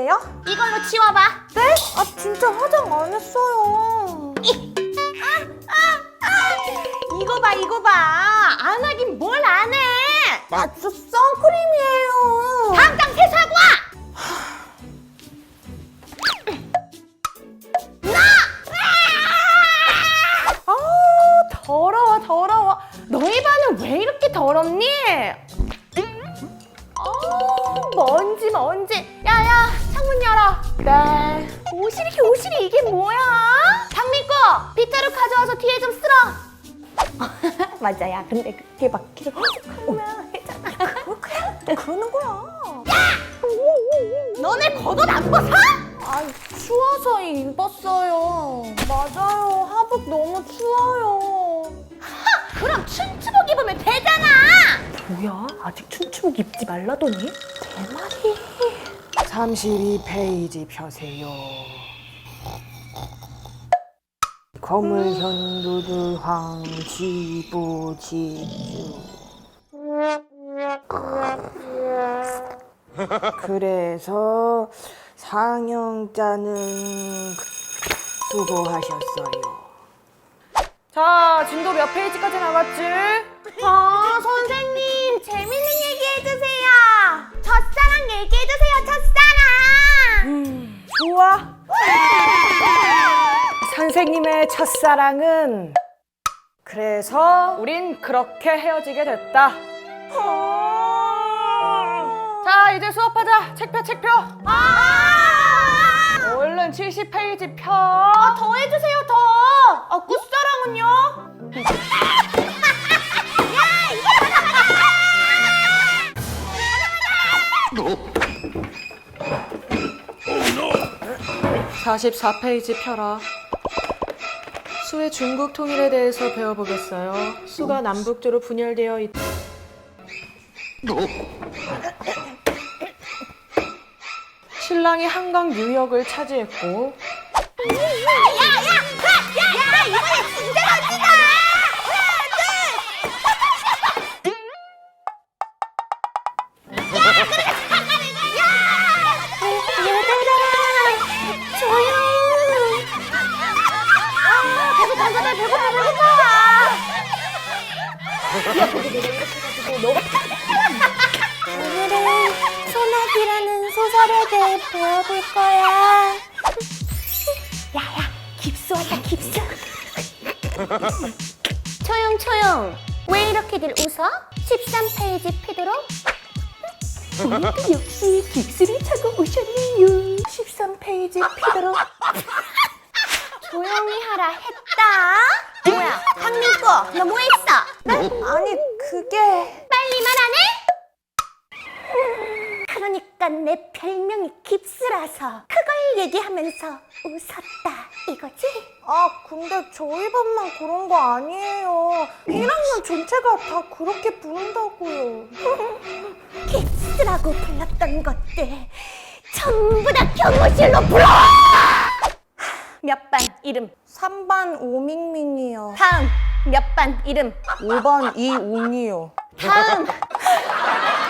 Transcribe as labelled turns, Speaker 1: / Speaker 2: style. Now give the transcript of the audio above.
Speaker 1: 거예요?
Speaker 2: 이걸로 치워봐.
Speaker 1: 네? 아 진짜 화장 안 했어요.
Speaker 2: 이거 봐, 이거 봐. 안 하긴 뭘 안 해.
Speaker 1: 아 저 선크림이에요.
Speaker 2: 당장 세수하고 와.
Speaker 1: 아 더러워 더러워.
Speaker 2: 너희 반은 왜 이렇게 더럽니? 먼지 먼지. 야야, 창문 열어.
Speaker 1: 네.
Speaker 2: 오시리 이게 뭐야? 박민구, 빗자루 가져와서 뒤에 좀 쓸어.
Speaker 1: 맞아요. 근데 그게 막 계속 하면 해잖아. 그러는 거야.
Speaker 2: 너네 겉옷 안 벗어?
Speaker 1: 아 추워서 입었어요. 맞아요. 하복 너무 추워요.
Speaker 2: 그럼 춘추복 입으면 되잖아.
Speaker 1: 뭐야? 아직 춘추복 입지 말라더니? 제 말이.
Speaker 3: 32페이지 펴세요. 거물현 누들황 지부 지주. 그래서 상영자는 수고하셨어요.
Speaker 1: 자, 진도 몇 페이지까지 나갔지?
Speaker 2: 선생님, 재밌는 얘기 해주세요. 첫사랑 얘기해주세요, 첫사랑.
Speaker 1: 좋아. 선생님의 첫사랑은 그래서 우린 그렇게 헤어지게 됐다. 자, 이제 수업하자. 책 펴, 책 펴. 얼른 70페이지 펴.
Speaker 2: 더 해주세요, 더.
Speaker 1: 끝사랑은요? 야, 44페이지 펴라. 수의 중국 통일에 대해서 배워보겠어요. 수가 남북조로 분열되어 있... 신랑이 한강 뉴욕을 차지했고
Speaker 2: 이번에 진짜 멋지다.
Speaker 1: 오늘은 소나기라는 소설에 대해 배워볼 거야.
Speaker 2: 깁스하자, 깁스. 초용. 왜 이렇게들 웃어? 13페이지 피도록? 오늘도 역시 깁스를 차고 오셨네요.
Speaker 1: 13페이지 피도록.
Speaker 2: 조용히 하라 했다. 뭐야, 박민구, 너 뭐 했어?
Speaker 1: 아니 그게
Speaker 2: 빨리 말 안 해? 그러니까 내 별명이 깁스라서 그걸 얘기하면서 웃었다 이거지?
Speaker 1: 아 근데 저희 반만 그런 거 아니에요. 1학년 전체가 다 그렇게 부른다고요.
Speaker 2: 깁스라고 불렀던 것들 전부 다 경호실로 불러! 몇 반 이름?
Speaker 1: 3반 오밍밍이요.
Speaker 2: 다음 몇 반 이름?
Speaker 1: 5반 이웅이요.
Speaker 2: 다음